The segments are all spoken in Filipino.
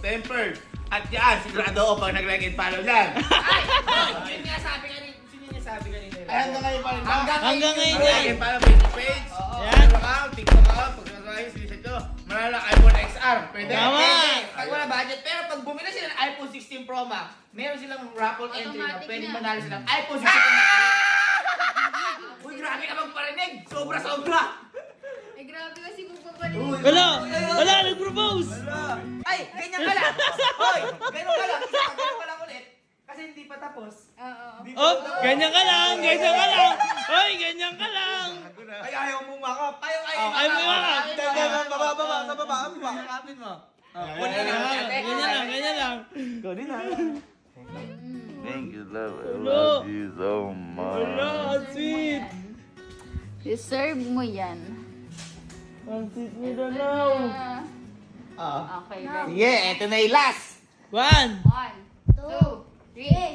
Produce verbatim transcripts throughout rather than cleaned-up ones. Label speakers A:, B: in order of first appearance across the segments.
A: tempered. At yan, sigurado ako pag nag-like and follow yan.
B: Ay! Ay! Yun nga sabi kanina. Sino yung sabi kanina?
A: Ay, hanggang ngayon pa rin ba?
B: Hanggang
C: Hanggang ngayon
A: Like
C: yan.
A: and follow Facebook page.
B: Oo.
C: Yan.
A: Follow ka, TikTok ka, pag nag-like, sinisip ko. Manalo ng iPhone X R. Pwede.
C: Tama.
B: Pwede, pag wala budget. Pero pag bumili sila ng iPhone sixteen Pro Max, meron silang raffle entry na
D: Automatic
B: pwedeng
D: na.
B: manalo silang iPhone sixteen Pro Max. Uy, grabe ka magparinig! Sobra-sobra!
D: Ay, grabe kasi kung papalinig.
C: Wala! Wala! Nag-propose!
B: Ay, ganyan ka lang! Hoy, ganyan ka lang! Isa, ganyan ka lang ulit. Kasi hindi pa tapos.
D: Oo.
B: Hindi pa
C: Oh!
B: tapos.
C: Ganyan ka lang! Ganyan ka lang! Hoy! Ganyan ka lang!
E: Ay, ayaw mong makap.
B: Ayaw, ayaw,
C: Oh, ayaw mo makap.
E: Ganda ng baba, baba, sa baba. Ang makakapin mo.
C: Ganyan lang! Ganyan lang! Ganyan lang!
E: Ikaw din ha.
F: Thank you, love. I
C: Hello.
F: love you so much.
C: Wala! Sweet!
D: Deserve mo yan.
C: Ang sweet mo na now!
B: Ah.
D: Okay, ready?
B: Sige, eto na yung last!
C: One!
D: One, two, three.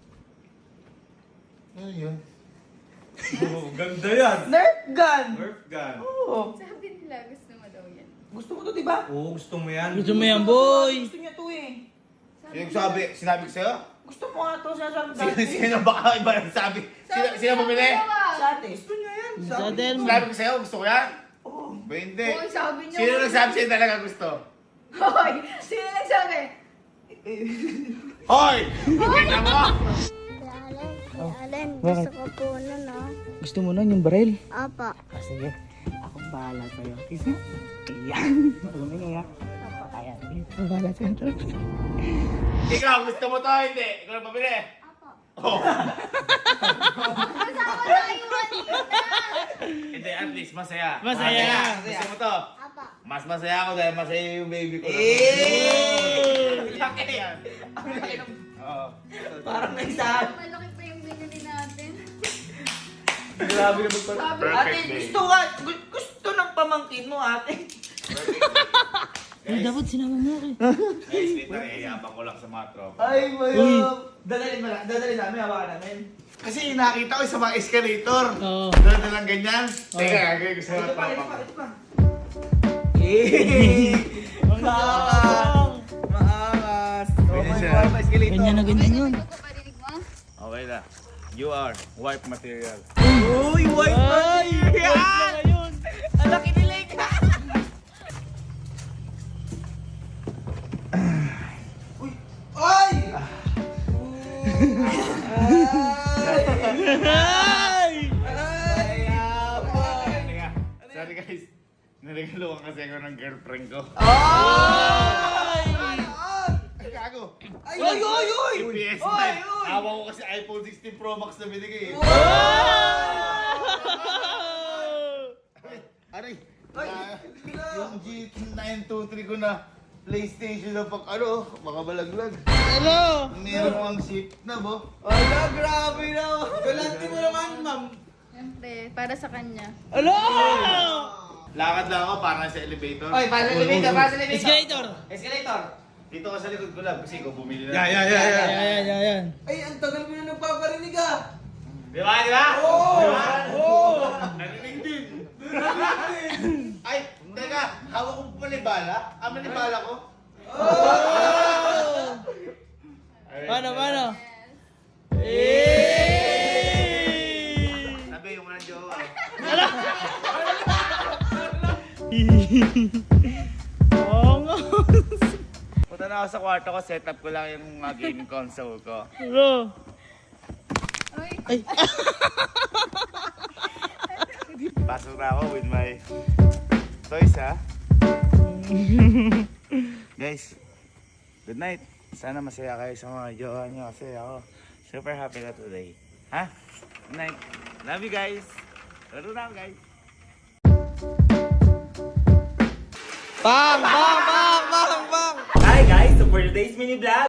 A: Ano yun?
E: Oh, ganda yan.
B: Nerf gun!
E: Nerf gun.
B: Oo.
D: Sabi nila, gusto mo daw yan.
B: Gusto mo to, di ba?
E: Oo, gusto mo yan.
C: Gusto mo yan, boy!
B: Gusto niya to eh.
A: Yung sabi, sinabi ko sa'yo?
B: Gusto mo nga to, sinasabi
A: Sino,
B: dati.
A: sino baka iba nagsabi? Sino, sino bumili?
B: Sa ate. Gusto niya yan.
C: Sa atin mo!
A: Sinabi ko sa'yo, gusto ko yan?
B: Oo.
A: Ba hindi?
D: Hoy, sabi niyo.
A: Sino nagsabi sa'yo talaga gusto?
D: Hoy, sino nagsabi?
A: Hoy! Kita mo!
G: Allen, Allen, gusto ko po nun, no?
C: Gusto mo nun yung baril?
G: Apa.
C: Ah, sige. Akong bahala sa'yo. Kasi, ayan. Tumingin nga. Ayan. Akong bahala sa'yo.
A: Ikaw, gusto mo to hindi? Ikaw na pabili?
G: Apa.
A: Oh.
D: Kasama tayo kanina.
A: Hindi, at least masaya.
C: Masaya.
A: Gusto mo to?
G: Apa.
A: Mas masaya ako dahil masaya yung baby ko.
B: Eh!
A: Laki yan. Oo.
B: Parang naisahan.
D: Malaki pa yung binili natin.
B: Grabe na magpapalaki.
D: Sabi,
A: Perfect
B: Ate,
A: day.
B: gusto nga, gu- gusto ng pamangkin mo, ate.
C: Ay, dapat sinama mo ako eh.
A: Guys, wait lang, iyabang ko lang sa mga tropa.
B: Ay, mayo. Dadalhin mo lang, dadalhin namin, hawakan namin.
A: Kasi nakita ko sa mga escalator.
C: Oo.
A: Dala lang ganyan. Teka, gagawin ko sa mga
B: Ito pa, ito
A: tropa
B: pa,
A: ko.
B: ito pa. Eh! Maangas! Maangas! Oh
A: Ganyan
B: my
A: siya.
B: God, escalator.
C: Ganyan na ganyan yun.
D: Ano ko parinig mo?
A: Okay na. You are wipe material.
B: Uy, white
C: Ay! Wait
B: material!
C: lang ngayon.
B: Ang laki ni Lake! Uy! Ay!
C: Ay!
B: Ay!
A: Teka, sorry guys. Naregalo kasi ako ng girlfriend ko.
B: Ay!
A: Ay, gago.
B: Ay! Uy! Uy! Uy!
A: Yung P S
B: Uy!
A: five.
B: Uy!
A: Awa ko kasi iPhone sixteen Pro Max na binigay eh. Aray.
B: Ay!
A: Ah, yung G nine two three ko na PlayStation na pag ano, makabalaglag.
C: Hello!
A: Meron ang ship na bo.
B: Ala, grabe na! Galanti mo naman, ma'am!
D: Siyempre, para sa kanya.
C: Hello!
A: Lakad lang ako para sa elevator.
B: Oy, para sa elevator, para sa elevator!
C: Escalator!
B: Escalator!
A: Dito ka sa likod ko lang kasi ikaw bumili na.
E: Yeah, yeah, yeah, yeah.
C: Ayan, ayan, ayan.
B: Ay, ang tagal mo na nagpaparinig ah!
A: Di ba? Di ba?
B: Oo!
A: Di ba?
B: Oo!
A: Narinig din. Ay, teka, hawak ko pa bala. Ah, manibala ko. Ay,
C: Paano, paano?
D: Yes.
C: Eh!
A: Sabi yung mga jowa.
C: Oo nga.
A: Punta na ako sa kwarto ko, set up ko lang yung mga gaming console ko.
C: Hello?
D: Uy,
C: Ay!
A: Pasok na ako with my toys, ha? Guys, good night. Sana masaya kayo sa mga jowa nyo kasi ako super happy na today. Ha? Good night. Love you guys. Laro na ako, guys.
C: Bang! Bang! Bang! Bang! Bang!
B: Hi guys! So for today's mini vlog,